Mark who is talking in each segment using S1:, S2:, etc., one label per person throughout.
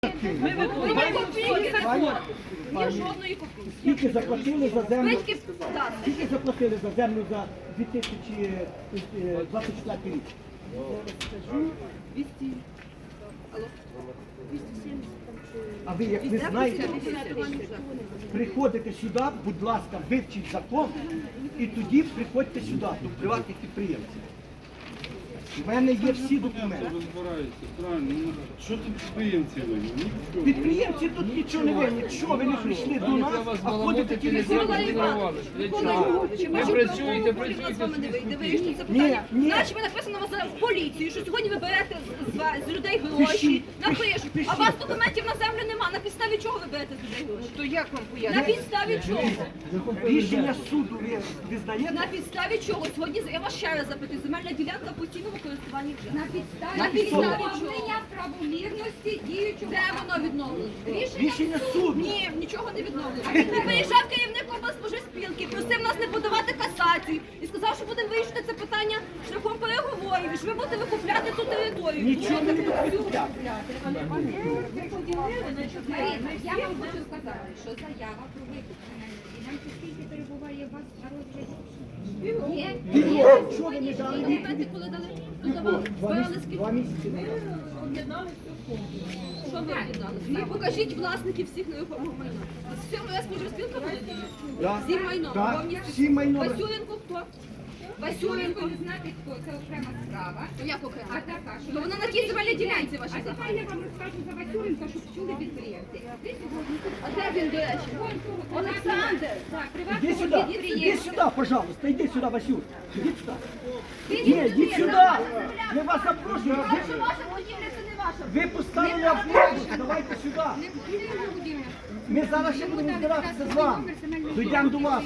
S1: Ми виконуємо копійки закон. Ні жодної копійки.
S2: Скільки заплатили за землю?
S1: Батьки, так.
S2: Скільки заплатили за землю за 2024 рік?
S1: 200. Алло. 270 там чи...
S2: А ви, як ви знаєте, приходите сюди, будь ласка, вивчіть закон, і тоді приходьте сюди, до приватних підприємців. У мене є всі документи.
S3: Розбираються, правильно. Ну, що тут підприємці винні? Нічого.
S2: Підприємці тут нічого не винні. Чого ви не прийшли до нас, а ходите ті
S1: Микола Іванович, чи ви працюєте, не вирішуєте це питання? Значить, ви написано в поліцію, що сьогодні ви берете з людей гроші, напишуть, а у вас документів на землю нема. На підставі чого ви берете з людей гроші? То як вам пояснити? На підставі чого?
S2: Рішення суду ви знаєте?
S1: На підставі чого? Сьогодні, я вас ще раз запитую, земельна ділянка постійного користування вже.
S4: На підставі відновлення правомірності діючого.
S1: Де воно відновлено?
S2: Рішення суду.
S1: Ні, нічого не відновлено. Виїжджав керівник облспоживспілки, просив нас не подавати касацію і сказав, що будемо вирішити це питання шляхом переговорів, і що ви будете викупляти ту територію.
S2: Нічого не викупляти.
S4: Марина, я вам хочу сказати, що заява про викуплення ділянки скільки перебуває у вас на розгляді? Є?
S2: Чого ви не дали?
S1: Документи коли дали? Додавали? Збирали скільки?
S2: 2 місяці не дали.
S1: Що ви об'єднали? Ну, покажіть власників всіх нерухомого майна. З цього я споживспілка володіє?
S2: Да.
S1: Всі майно.
S2: Да.
S1: Повністю.
S2: Всі майно.
S1: Васюленко хто? Васюленко.
S4: Ви знаєте, хто це окрема справа.
S1: Як окремо?
S4: А така, що...
S1: То вона на тій земельній ділянці ваші
S4: А тепер
S1: захоплені.
S4: я вам розкажу за Васюленка, щоб чули підприємці. Ви сьогодні тут...
S1: А де він, до речі? Олександр.
S4: Так,
S2: Іди
S4: приватного
S2: сюди, іди
S4: підприємця.
S2: сюди, пожалуйста, іди сюди, Васюк. Іди сюди. Ні, іди сюди. Ми вас запрошуємо.
S1: Що ваша будівля, це не ваша.
S2: Ви поставили автобус, давайте сюди. Ми зараз ще будемо збиратися з вами. Дійдемо до вас.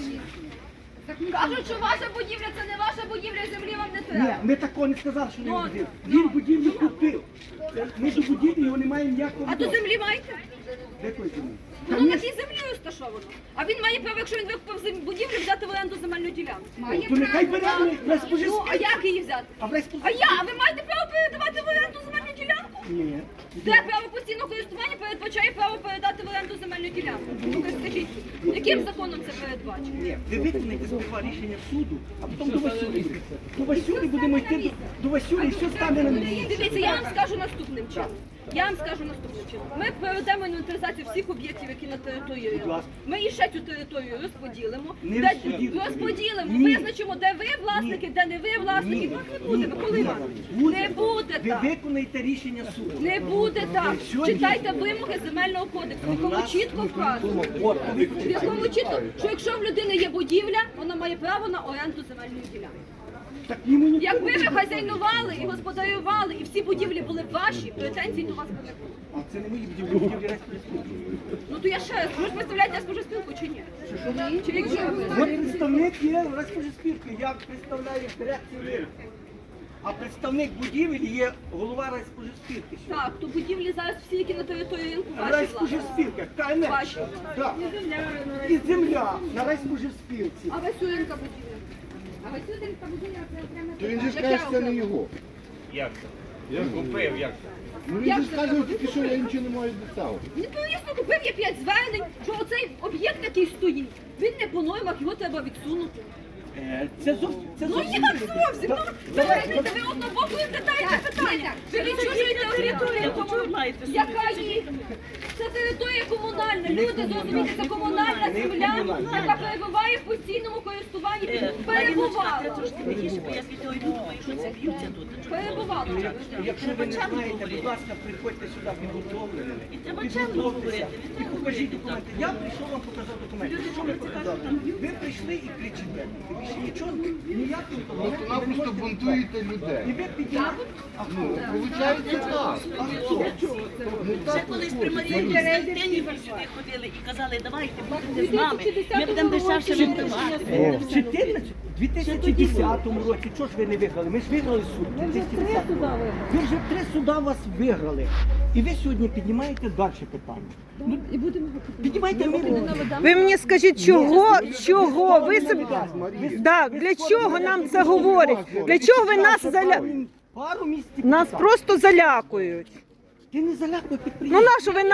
S1: Кажуть, що ваша будівля, це не ваша будівля, землі вам не
S2: Ні,
S1: треба.
S2: ми такого не сказали, що
S1: Ну,
S2: він будівлю. Він будівлю купив. Ми до будівлі його не маємо ніякого.
S1: А до землі маєте?
S2: Якої землі?
S1: Воно на тій землі розташовано. А він має право, якщо він викупив будівлю, взяти в оренду земельну ділянку.
S2: То нехай бере на
S1: Ну, а як її взяти?
S2: А
S1: А ви маєте право передавати в оренду земельну ділянку?
S2: Ні.
S1: Де право постійного користування передбачає право передати в оренду земельну ділянку? Ну, скажіть, яким законом це передбачено?
S2: Ні, ви виконайте сперва рішення суду, а потім до Васюлі. До Васюлі будемо йти, до Васюлі і все стане на місці.
S1: Дивіться, я вам скажу наступним чином. Я вам скажу наступним чином. Ми проведемо інвентаризацію всіх об'єктів, які на території.
S2: Будь ласка.
S1: Ми і ще цю територію розподілимо.
S2: Не
S1: Де-
S2: розподілимо.
S1: Розподілимо,
S2: Ні.
S1: визначимо, де ви власники, де не ви власники.
S2: Ні.
S1: Ну, не буде, Микола Іванович. Не буде
S2: Ви
S1: так.
S2: виконайте рішення суду.
S1: Не буде так.
S2: Сьогодні-
S1: Читайте вимоги земельного кодексу, в якому чітко вказано.
S2: От,
S1: В якому чітко, що якщо в людини є будівля, вона має право на оренду земельної ділянки.
S2: так йому ніхто
S1: Якби
S2: не
S1: ви
S2: буде.
S1: хазяйнували і господарювали, і всі будівлі були б ваші, претензій до вас би не було.
S2: А це не мої будівлі, будівлі Райспоживспілки.
S1: Ну то я ще раз, ви ж представляєте споживспілку чи ні? Чи якщо
S2: От представник є Райспоживспілки, я представляю дирекцію ринку. А представник будівель є голова Райспоживспілки.
S1: так, то будівлі зараз всі, які на території ринку, ваші власні.
S2: Райспоживспілка, КНЕ.
S1: Ваші.
S2: Так. І земля на Райспоживспілці.
S1: А Васюленка будівля.
S4: А Васюленка будівля це окрема
S5: То він же ж
S1: Яка
S5: каже, це не
S1: окрема?
S5: його.
S6: Як це? Я купив, як це?
S5: Ну він
S1: Як
S5: же ж
S1: це
S5: каже,
S1: так?
S5: тільки що я нічого не маю доставити.
S1: Відповісно, купив є 5 звернень, що оцей об'єкт, який стоїть, він не по нормах, його треба відсунути.
S2: Це зовсім. Це
S1: Ну
S2: зовсім.
S1: як зовсім? Ну, ви розумієте, ви однобоко задаєте питання. Ви відчужуєте територію, яка є. Це територія комунальна. Люди, зрозумієте, це комунальна земля, яка перебуває в постійному користуванні. Перебувала. Перебувала.
S2: Якщо ви не знаєте, будь ласка, приходьте сюди підготовленими. Підготовтеся і покажіть документи. Я прийшов вам показати документи. Що ви показали? Ви прийшли і кричите. Ви більше нічого, ніяких документів ви не
S5: Просто
S2: можете
S5: бунтуєте
S2: показати. І
S5: людей.
S2: ви підняли. А хто?
S5: Виходить так.
S7: Ще колись при Марії Костянтинівні сюди ходили і казали, давайте будете з нами, ми будемо дешевше рентувати.
S2: В 2010 році, чого ж ви не виграли? Ми ж виграли суд. в 2010 році. Ви вже 3 суда вас виграли. І ви сьогодні піднімаєте далі питання. Ну, піднімайте мирно.
S8: Ви мені скажіть, чого ви собі, да, для чого нам це говорять? Для чого ви нас
S2: Пару місяців.
S8: нас просто залякують?
S2: Ти не залякуй
S8: Ну
S2: підприємців.
S8: нащо ви